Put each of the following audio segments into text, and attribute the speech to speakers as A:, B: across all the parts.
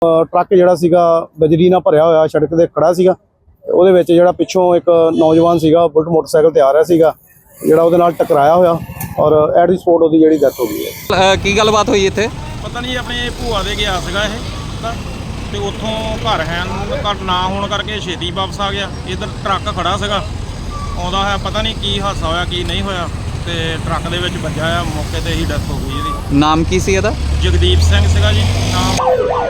A: Truck जिहड़ा सीगा बजरी नाल भरिया होया सड़क ते खड़ा सीगा। ਉਹਦੇ ਵਿੱਚ ਜਿਹੜਾ ਪਿੱਛੋਂ ਇੱਕ ਨੌਜਵਾਨ ਸੀਗਾ ਬੁਲਟ ਮੋਟਰਸਾਈਕਲ ਤੇ ਆ ਰਿਹਾ ਸੀਗਾ ਜਿਹੜਾ ਉਹਦੇ ਨਾਲ ਟਕਰਾਇਆ ਹੋਇਆ ਔਰ ਐਟ ਦੀ ਸਪੋਟ ਉਹਦੀ ਜਿਹੜੀ ਡੈਥ ਹੋ ਗਈ ਹੈ।
B: ਕੀ ਗੱਲਬਾਤ ਹੋਈ ਇੱਥੇ?
C: ਪਤਾ ਨਹੀਂ ਆਪਣੇ ਭੂਆ ਦੇ ਗਿਆ ਸੀਗਾ ਇਹ ਤੇ ਉੱਥੋਂ ਘਰ ਘਰ ਨਾ ਹੋਣ ਕਰਕੇ ਛੇਤੀ ਵਾਪਸ ਆ ਗਿਆ। ਇੱਧਰ ਟਰੱਕ ਖੜਾ ਸੀਗਾ ਆਉਂਦਾ ਹੋਇਆ, ਪਤਾ ਨਹੀਂ ਕੀ ਹਾਦਸਾ ਹੋਇਆ ਕੀ ਨਹੀਂ ਹੋਇਆ ਤੇ ਟਰੱਕ ਦੇ ਵਿੱਚ ਵੱਜਾ ਆ, ਮੌਕੇ ਤੇ ਹੀ ਡੈਥ ਹੋ ਗਈ ਇਹਦੀ।
B: ਨਾਮ ਕੀ ਸੀ ਇਹਦਾ?
C: ਜਗਦੀਪ ਸਿੰਘ ਸੀਗਾ ਜੀ ਨਾਮ।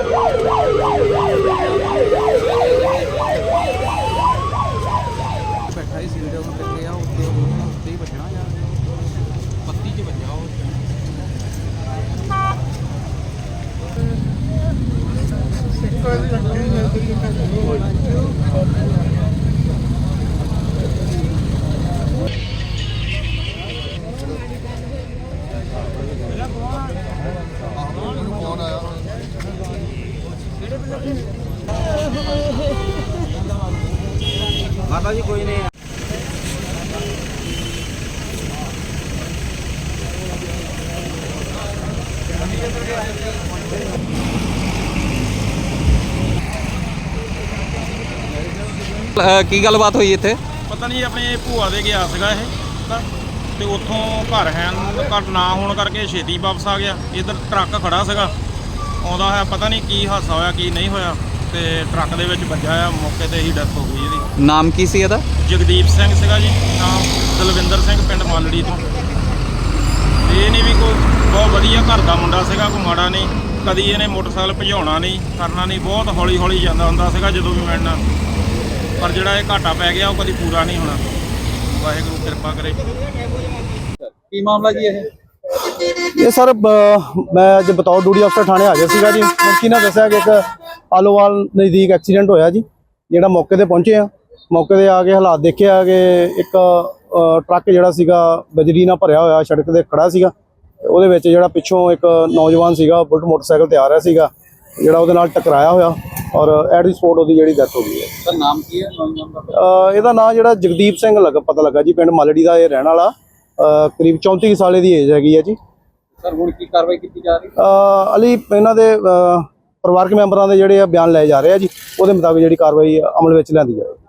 B: माता जी कोई नहीं ਕੀ ਗੱਲਬਾਤ ਹੋਈ ਇੱਥੇ?
C: ਪਤਾ ਨਹੀਂ ਆਪਣੇ ਭੂਆ ਦੇ ਗਿਆ ਸੀਗਾ ਇਹ ਤੇ ਉੱਥੋਂ ਘਰ ਨਾ ਹੋਣ ਕਰਕੇ ਛੇਤੀ ਵਾਪਸ ਆ ਗਿਆ। ਇੱਧਰ ਟਰੱਕ ਖੜਾ ਸੀਗਾ ਆਉਂਦਾ ਹੋਇਆ, ਪਤਾ ਨਹੀਂ ਕੀ ਹਾਦਸਾ ਹੋਇਆ ਕੀ ਨਹੀਂ ਹੋਇਆ ਤੇ ਟਰੱਕ ਦੇ ਵਿੱਚ ਵੱਜਾ ਆ, ਮੌਕੇ ਤੇ ਹੀ ਡੈਥ ਹੋ ਗਈ ਇਹਦੀ।
B: ਨਾਮ ਕੀ ਸੀ ਇਹਦਾ?
C: ਜਗਦੀਪ ਸਿੰਘ ਸੀਗਾ ਜੀ ਨਾਮ। ਦਲਵਿੰਦਰ ਸਿੰਘ ਪਿੰਡ ਮਾਲੜੀ ਤੋਂ। ਇਹ ਨਹੀਂ ਵੀ ਕੋਈ ਬਹੁਤ ਵਧੀਆ ਘਰ ਦਾ ਮੁੰਡਾ ਸੀਗਾ, ਕੋਈ ਮਾੜਾ ਨਹੀਂ। ਕਦੀ ਇਹਨੇ ਮੋਟਰਸਾਈਕਲ ਭਜਾਉਣਾ ਨਹੀਂ ਕਰਨਾ ਨਹੀਂ, ਬਹੁਤ ਹੌਲੀ ਹੌਲੀ ਜਾਂਦਾ ਹੁੰਦਾ ਸੀਗਾ ਜਦੋਂ ਵੀ ਮਿਲਣਾ। ਪਰ ਜਿਹੜਾ ਇਹ ਘਾਟਾ ਪੈ ਗਿਆ ਉਹ ਕਦੀ ਪੂਰਾ ਨਹੀਂ ਹੋਣਾ। ਵਾਹਿਗੁਰੂ ਕਿਰਪਾ ਕਰੇ।
B: ਕੀ ਮਾਮਲਾ ਜੀ ਇਹ?
A: ਇਹ ਸਰ ਮੈਂ ਅੱਜ ਬਤੌਰ ਡਿਊਟੀ ਅਫਸਰ ਥਾਣੇ ਆ ਗਿਆ ਸੀਗਾ ਜੀ। ਮੁਖੀ ਨੇ ਦੱਸਿਆ ਕਿ ਇੱਕ ਆਲੋਵਾਲ ਨਜ਼ਦੀਕ ਐਕਸੀਡੈਂਟ ਹੋਇਆ ਜੀ। ਜਿਹੜਾ ਮੌਕੇ ਤੇ ਪਹੁੰਚੇ ਆ, ਮੌਕੇ ਤੇ ਆ ਕੇ ਹਾਲਾਤ ਦੇਖਿਆ ਕਿ ਇੱਕ ਟਰੱਕ ਜਿਹੜਾ ਸੀਗਾ ਬਜਰੀ ਨਾਲ ਭਰਿਆ ਹੋਇਆ ਸੜਕ ਤੇ ਖੜਾ ਸੀਗਾ। ਉਹਦੇ ਵਿੱਚ ਜਿਹੜਾ ਪਿੱਛੋਂ ਇੱਕ ਨੌਜਵਾਨ ਸੀਗਾ ਬੁਲਟ ਮੋਟਰਸਾਈਕਲ ਤੇ ਆ ਰਿਹਾ ਸੀਗਾ ਜਿਹੜਾ ਉਹਦੇ ਨਾਲ ਟਕਰਾਇਆ ਹੋਇਆ ਔਰ ਐਟ ਦੀ ਸਪੋਟ ਉਹਦੀ ਜਿਹੜੀ ਡੈਥ ਹੋ ਗਈ ਹੈ।
B: ਸਰ ਨਾਮ ਕੀ ਹੈ?
A: ਇਹਦਾ ਨਾਮ ਜਿਹੜਾ ਜਗਦੀਪ ਸਿੰਘ ਪਤਾ ਲੱਗਾ ਜੀ, ਪਿੰਡ ਮਾਲੜੀ ਦਾ ਇਹ ਰਹਿਣ ਵਾਲਾ। ਕਰੀਬ 34 ਸਾਲ ਦੀ ਏਜ ਹੈਗੀ ਹੈ ਜੀ।
B: ਸਰ ਹੁਣ ਕੀ ਕਾਰਵਾਈ ਕੀਤੀ ਜਾ ਰਹੀ?
A: ਅਲੀ ਇਹਨਾਂ ਦੇ ਪਰਿਵਾਰਕ ਮੈਂਬਰਾਂ ਦੇ ਜਿਹੜੇ ਬਿਆਨ ਲਏ ਜਾ ਰਹੇ ਆ ਜੀ, ਉਹਦੇ ਮੁਤਾਬਿਕ ਜਿਹੜੀ ਕਾਰਵਾਈ ਅਮਲ ਵਿੱਚ ਲਿਆਂਦੀ ਜਾਵੇ।